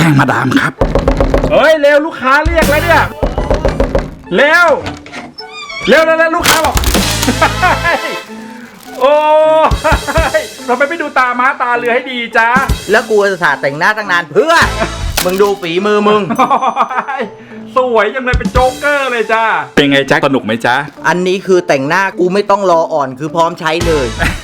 ล้งมาดามครับเฮ้ยเร็วลูกค้าเรียกแล้วเนี่ยเร็วลูกค้าบอก โอ้ยเราไม่ดูตาม้าตาเรือให้ดีจ้าแล้วกูจะสาแต่งหน้าตั้งนานเพื่อ มึงดูฝีมือมึงสวยจังเลยเป็นโจ๊กเกอร์เลยจ้าเป็นไงจ๊ะสนุกไหมจ๊ะอันนี้คือแต่งหน้ากูไม่ต้องรออ่อนคือพร้อมใช้เลย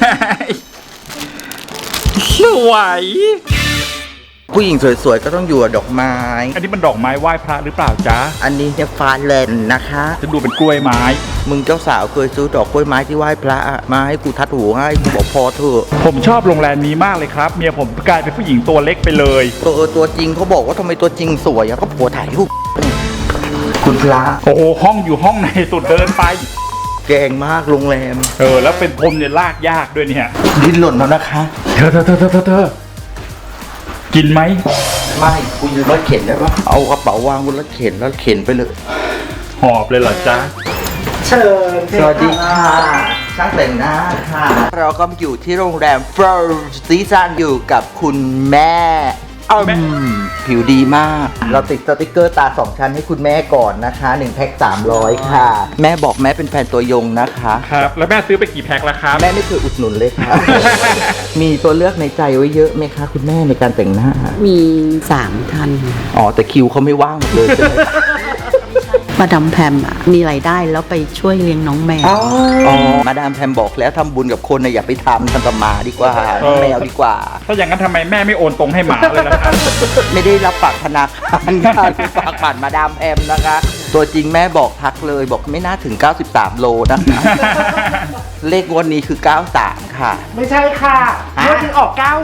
สวยผู้หญิงสวยๆก็ต้องอยู่กับดอกไม้อันนี้มันดอกไม้ไหว้พระหรือเปล่าจ๊ะอันนี้เนี่ยฟาเลนนะคะจะดูเป็นกล้วยไม้มึงเจ้าสาวเคยซื้อดอกกล้วยไม้ที่ไหว้พระอะมาให้กูทัดหูให้กูบอกพอเถอะผมชอบโรงแรมนี้มากเลยครับเมียผมกลายเป็นผู้หญิงตัวเล็กไปเลยตัวจริงเขาบอกว่าทำไมตัวจริงสวยอะก็ผัวถ่ายรูปคุณพระโอ้โหห้องอยู่ห้องในสุดเดินไปแกงมากโรงแรมแล้วเป็นพรมเนี่ยลากยากด้วยเนี่ยดิ้นหล่นแล้วนะคะเธอกินไหมไม่กูยืนรถเข็นได้ปะเอากระเป๋าวางบนรถเข็นแล้วเข็นไปเลยหอบเลยเหรอจ๊ะเชิญสวัสดีค่ะช่างแต่งหน้าค่ะ เราก็อยู่ที่โรงแรม First Season อยู่กับคุณแม่ผิวดีมาก เราติดสติกเกอร์ตา2ชั้นให้คุณแม่ก่อนนะคะ1แพ็ค300ค่ะ แม่บอกแม่เป็นแฟนตัวยงนะคะครับแล้วแม่ซื้อไปกี่แพ็คละครับแม่ไม่เคยอุดหนุนเลยค่ะ มีตัวเลือกในใจไว้เยอะไหมคะคุณแม่ในการแต่งหน้ามี3 ท่านอ๋อแต่คิวเขาไม่ว่างหมดเลยใช่ไหมมาดามแพมอะมีรายได้แล้วไปช่วยเลี้ยงน้องแมวอ๋อมาดามแพมบอกแล้วทำบุญกับคนนะอย่าไปทำกับหมาดีกว่าแมวดีกว่าถ้าอย่างนั้นทำไมแม่ไม่โอนตรงให้หมาเลยล่ะครับไม่ได้รับฝากธนาคารค่ะฝากผ่านมาดามแพมนะคะ ตัวจริงแม่บอกทักเลยบอกไม่น่าถึง 93 โลนะคะ เลขงวดนี้คือ 93 ค่ะไม่ใช่ค่ะงวดที่ออก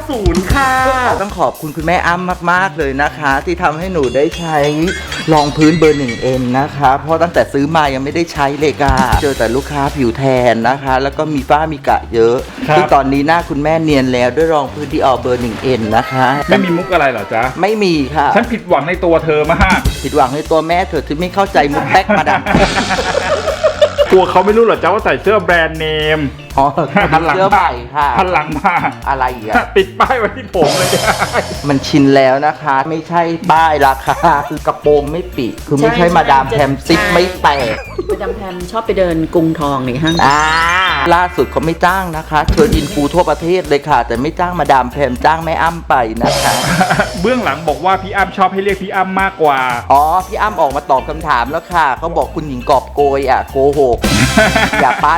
90 ค่ะต้องขอบคุณคุณแม่อ้ำมากๆเลยนะคะ ที่ทำให้หนูได้ใช้รองพื้นเบอร์ 1N นะคะ เพราะตั้งแต่ซื้อมายังไม่ได้ใช้เลยค่ะเจอแต่ลูกค้าผิวแทนนะคะ แล้วก็มีฝ้ามีกระเยอะครับซึ่งตอนนี้หน้าคุณแม่เนียนแล้วด้วยรองพื้นที่ออกเบอร์ 1N นะคะไม่มีมุกอะไรเหรอจ๊ะไม่มีค่ะฉันผิดหวังในตัวเธอมากผิดหวังในตัวแม่เธอที่ไม่เข้าใจมุกแป๊กมาดังกลัวเขาไม่รู้เหรอจ๊ะว่าใส่เสื้อแบรนด์เนมอ๋อหันหลังเสื้อใหม่ค่ะหันหลังมาอะไรอีกอะติดป้ายไว้ที่ผมเลยจ้ะมันชินแล้วนะคะ ไม่ใช่ป้ายราคาคือกระโปรงไม่ปิดคือไม่ใช่มาดามแพมซิปไม่แตกมาดามแพมชอบไปเดินกรุงทองในห้างล่าสุดเขาไม่จ้างนะคะเชิญอินฟูทั่วประเทศเลยค่ะ แต่ไม่จ้างมาดามแพมจ้างแม่อ้ำไปนะคะเบื้องหลังบอกว่าพี่อ้ำชอบให้เรียกพี่อ้ำมากกว่าอ๋อพี่อ้ำออกมาตอบคำถามแล้วค่ะเขาบอกคุณหญิงกอบโกยอ่ะโกหก อย่าปั้น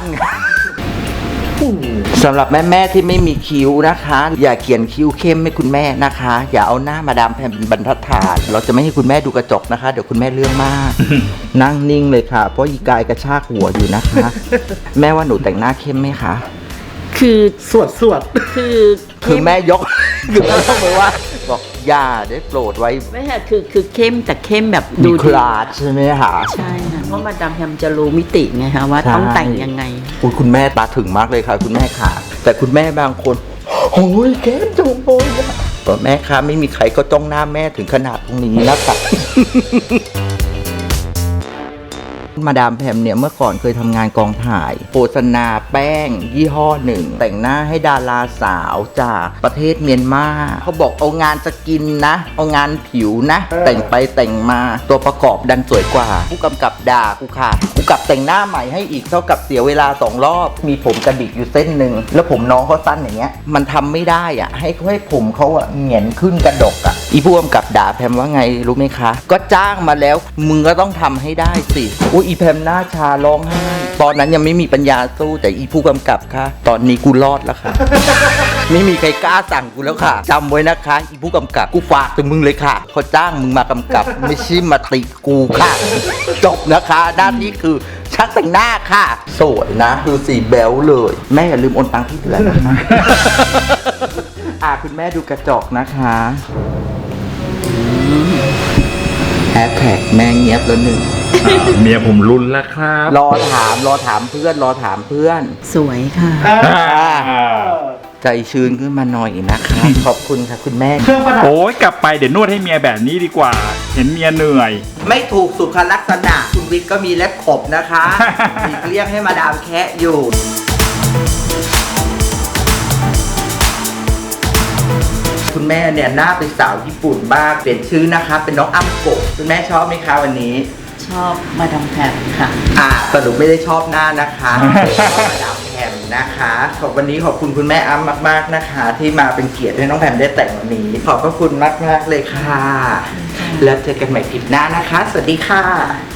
สำหรับแม่ๆที่ไม่มีคิ้วนะคะ อย่าเขียนคิ้วเข้มให้คุณแม่นะคะ อย่าเอาหน้ามาดามแพมเป็นบรรทัดฐานเราจะไม่ให้คุณแม่ดูกระจกนะคะ เดี๋ยวคุณแม่เรื่องมาก นั่งนิ่งเลยค่ะ เพราะอีกายกระชากหัวอยู่นะคะ แม่ว่าหนูแต่งหน้าเข้มไหมคะคือสวดคือแม่ยก คือแม่ยกมือว่าบอกอย่าได้โปรดไว้ไม่ใช่คือเข้มแต่เข้มแบบมีดูคลาสใช่ไหมคะใช่ค่ะเพราะมาดามแพมจะรู้มิติไงคะว่าต้องแต่งยังไงอุ๊ยคุณแม่ตาถึงมากเลยค่ะ คุณแม่ค่ะ แต่คุณแม่บางคนโอ้ยแก้มจงโอยบอกแม่คะไม่มีใครก็จ้องหน้าแม่ถึงขนาดตรงนี้นะคะ มาดามแพมเนี่ยเมื่อก่อนเคยทำงานกองถ่ายโฆษณาแป้งยี่ห้อหนึ่ง แต่งหน้าให้ดาราสาวจากประเทศเมียนมาเขาบอกเอางานสกินนะ เอางานผิวนะ แต่งไปแต่งมาตัวประกอบดันสวยกว่า ผู้กำกับด่ากูค่ะกูกลับแต่งหน้าใหม่ให้อีกเท่ากับเสียเวลา2 รอบ มีผมกระดิกอยู่เส้นหนึ่งแล้วผมน้องเขาสั้นอย่างเงี้ยมันทำไม่ได้อ่ะให้ผมเขาอ่ะเหงียนขึ้นกระดกอ่ะอีผู้กำกับด่าแพมว่าไงรู้ไหมคะ ก็จ้างมาแล้วมึงก็ต้องทำให้ได้สิอุ้ยอีแพมหน้าชาร้องไห้ตอนนั้นยังไม่มีปัญญาสู้แต่อีผู้กำกับค่ะตอนนี้กูรอดแล้วค่ะ ไม่มีใครกล้าสั่งกูแล้วค่ะจำไว้นะคะอีผู้กำกับกูฝากถึงมึงเลยค่ะเขาจ้างมึงมากำกับ ไม่ใช่มาติกูค่ะ จบนะคะด้านนี้คือชักแต่งหน้าค่ะสวยนะดูสีแบลเลย แม่อย่าลืมโอนตังค์ที่เหลือนะ คุณแม่ดูกระจกนะคะแฮชแท็กแม่เงียบแล้วหนึ่งเมียผมรุนแล้วครับรอถามเพื่อนสวยค่ะใจชื้นขึ้นมาหน่อยนะคะ ขอบคุณค่ะคุณแม่เครื่องประดับโอ้ยกลับไปเดี๋ยวนวดให้เมียแบบนี้ดีกว่า เห็นเมียเหนื่อยไม่ถูกสุขลักษณะคุณวิทย์ก็มีเล็บขบนะคะมีเรียกให้มาดามแคะอยู่คุณแม่เนี่ยหน้าเป็นสาวญี่ปุ่นบ้างเปลี่ยนชื่อนะคะเป็นน้องอ้ำกบคุณแม่ชอบไหมคะวันนี้ชอบมาดามแพมค่ะสรุปไม่ได้ชอบหน้านะคะชอบมาดามแพมนะคะวันนี้ขอบคุณคุณแม่อ้ำมากๆนะคะ ที่มาเป็นเกียรติให้น้องแพมได้แต่งวันนี้ขอบพระคุณมากๆเลยค่ะแล้วเจอกันใหม่คลิปหน้านะคะสวัสดีค่ะ